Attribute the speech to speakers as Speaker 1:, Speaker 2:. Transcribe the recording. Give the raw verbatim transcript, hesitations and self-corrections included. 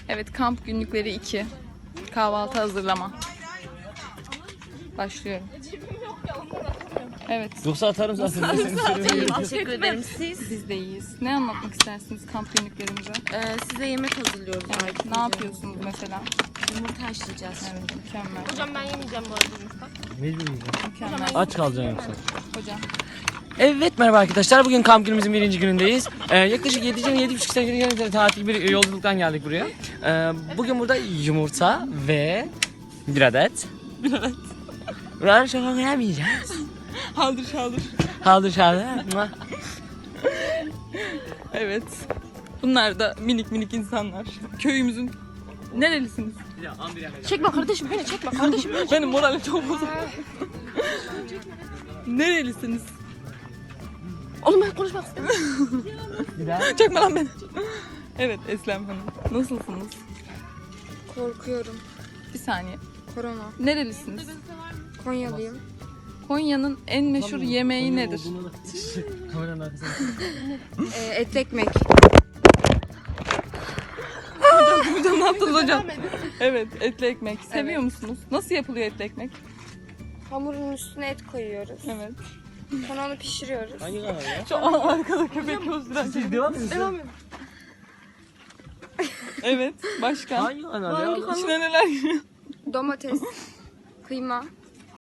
Speaker 1: Evet, kamp günlükleri iki. Kahvaltı hazırlama. Başlıyorum. Evet.
Speaker 2: Yoksa atarım zaten.
Speaker 3: Teşekkür ederim. Siz?
Speaker 1: Biz de iyiyiz. Ne anlatmak istersiniz kamp günlüklerimize?
Speaker 3: Ee, size yemek hazırlıyoruz.
Speaker 1: Evet. Ne yapıyorsunuz mesela?
Speaker 3: Yumurta haşlayacağız.
Speaker 1: Evet, mükemmel.
Speaker 3: Hocam ben yemeyeceğim bu arada yumurta.
Speaker 2: Mecbur yiyeceğim.
Speaker 1: Mükemmel.
Speaker 2: Aç kalacaksın yoksa.
Speaker 1: Hocam.
Speaker 2: Evet, merhaba arkadaşlar. Bugün kamp günümüzün birinci günündeyiz. Ee, yaklaşık yedi yedi buçuk sene tatil bir yolculuktan geldik buraya. Ee, bugün burada yumurta ve bir adet.
Speaker 1: Bir adet.
Speaker 2: Buraları şaka yemeyeceğiz.
Speaker 1: Haldır şaldır.
Speaker 2: Haldır şaldır.
Speaker 1: Evet. Bunlar da minik minik insanlar. Köyümüzün nerelisiniz?
Speaker 3: Çekme kardeşim beni çekme kardeşim.
Speaker 1: Benim moralim çok bozuk. Nerelisiniz?
Speaker 3: Oğlum ben konuşmak istemiyorum.
Speaker 1: Çekme lan beni. Evet, Eslem Hanım. Nasılsınız?
Speaker 4: Korkuyorum.
Speaker 1: Bir saniye.
Speaker 4: Korona.
Speaker 1: Nerelisiniz?
Speaker 4: Konyalıyım.
Speaker 1: Konya'nın en meşhur yemeği nedir?
Speaker 2: Kameranın arkasına.
Speaker 4: Ee, etli ekmek.
Speaker 1: Hocam ne yaptınız hocam? Evet, etli ekmek. Seviyor musunuz? Nasıl yapılıyor etli ekmek?
Speaker 4: Hamurun üstüne et koyuyoruz.
Speaker 1: Evet.
Speaker 4: Sonra onu pişiriyoruz.
Speaker 2: Hangi kanal ya?
Speaker 1: Şu an arkada köpek gözüren.
Speaker 2: Siz devam edin.
Speaker 4: Devam edin.
Speaker 1: Evet, başka?
Speaker 2: Hangi kanal ya?
Speaker 1: İçine neler giriyor?
Speaker 4: Domates, kıyma,